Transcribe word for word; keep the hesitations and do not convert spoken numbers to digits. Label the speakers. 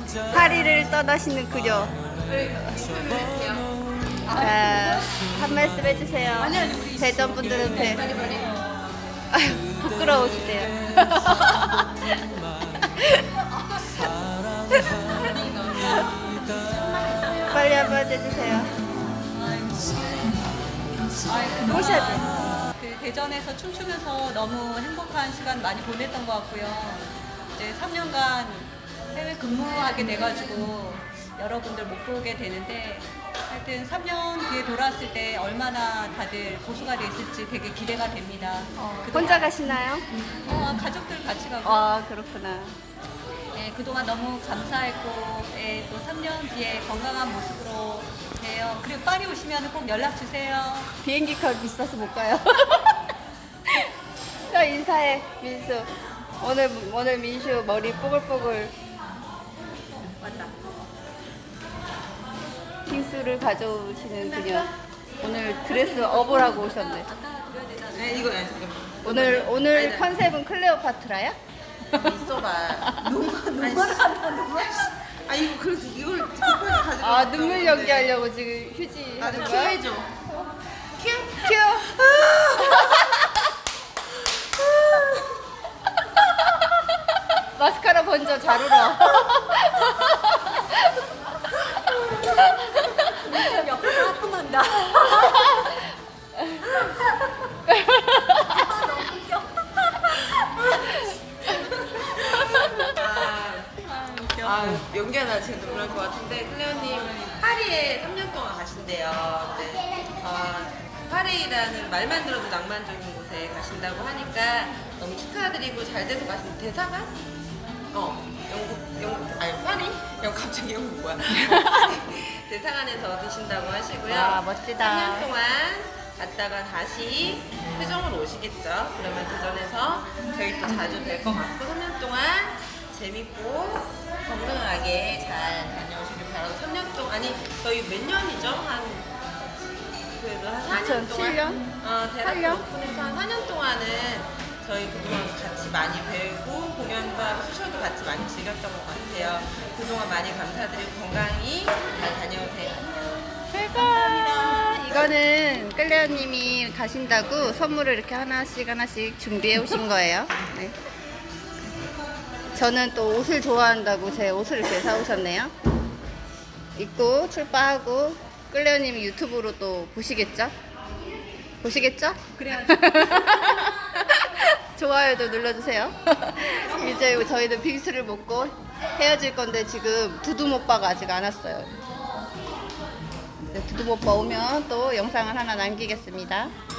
Speaker 1: 파리를 떠나시는 그녀. 자, 한 말씀 해주세요. 대전 분들은 배. 아유, 부끄러우시대요. 빨리 한번 해주세요. 모셔야 돼.
Speaker 2: 그 대전에서 춤추면서 너무 행복한 시간 많이 보냈던 것 같고요. 이제 삼 년간 해외 근무하게 돼가지고 여러분들 못 보게 되는데 하여튼 삼 년 뒤에 돌아왔을 때 얼마나 다들 고수가 됐을지 되게 기대가 됩니다.
Speaker 1: 어,
Speaker 2: 그동안-
Speaker 1: 혼자 가시나요?
Speaker 2: 어, 가족들 같이 가고
Speaker 1: 아, 그렇구나.
Speaker 2: 예, 그동안 너무 감사했고 예, 또 삼 년 뒤에 건강한 모습으로 봬요. 그리고 파리 오시면 꼭 연락 주세요.
Speaker 1: 비행기 값 비싸서 못 가요. 또 인사해, 민수. 오늘, 오늘 민수 머리 뽀글뽀글.
Speaker 2: 맞다.
Speaker 1: 빙수를 가져오시는 그녀. 오늘 드레스 업을 하고 오셨네.
Speaker 2: 아까 드려야 되잖아요.
Speaker 3: 네, 이거 아니, 잠깐만.
Speaker 1: 오늘, 오늘
Speaker 3: 아니, 아니.
Speaker 1: 컨셉은 클레오파트라야?
Speaker 3: 있어봐. 눈만 눈만 한다 눈만. 아 이거 그래서 이걸 급하게 가지고.
Speaker 1: 아, 눈물 연기하려고 지금 휴지
Speaker 3: 나도
Speaker 1: 하는
Speaker 3: 큐
Speaker 1: 거야?
Speaker 3: 해줘. 큐.
Speaker 1: 큐! 마스카라 번져 잘 울어.
Speaker 2: 옆에서 하품한다.
Speaker 3: 아, 아 연기가 나 지금 눈물 날 것 같은데 클레어님 파리에 삼 년 동안 가신대요. 네. 어, 파리라는 말만 들어도 낭만적인 곳에 가신다고 하니까 너무 축하드리고 잘 돼서 가신 대사관? 어 영국 영국 아니 파리? 영 갑자기 영국 뭐야? 어, 파리 대사관에서 드신다고 하시고요.
Speaker 1: 와, 멋지다.
Speaker 3: 삼 년 동안 갔다가 다시 회정으로 오시겠죠. 그러면 대전에서 저희 또 자주 뵐 것 같고 삼 년 동안 재밌고 건강하게 잘 다녀오시길 바라고 삼 년 동안 아니 저희 몇 년이죠? 한 그래도 한 사 년 동안
Speaker 1: 이천칠 년?
Speaker 3: 어, 대학
Speaker 1: 팔 년?
Speaker 3: 오픈해서 한 사 년 동안은 저희 그동안 같이 많이 배우고 공연도 하고 수쇼도 같이 많이 즐겼던 것 같아요. 그동안 많이 감사드리고 건강히 잘 다녀오세요.
Speaker 1: 감사합니다. 이거는 끌레어님이 가신다고 선물을 이렇게 하나씩 하나씩 준비해 오신 거예요. 네. 저는 또 옷을 좋아한다고 제 옷을 이렇게 사오셨네요. 입고 출바하고 끌레어님이 유튜브로 또 보시겠죠? 보시겠죠?
Speaker 2: 그래야지.
Speaker 1: 좋아요도 눌러주세요. 이제 저희는 빙수를 먹고 헤어질 건데 지금 두둠 오빠가 아직 안 왔어요. 두둠 오빠 오면 또 영상을 하나 남기겠습니다.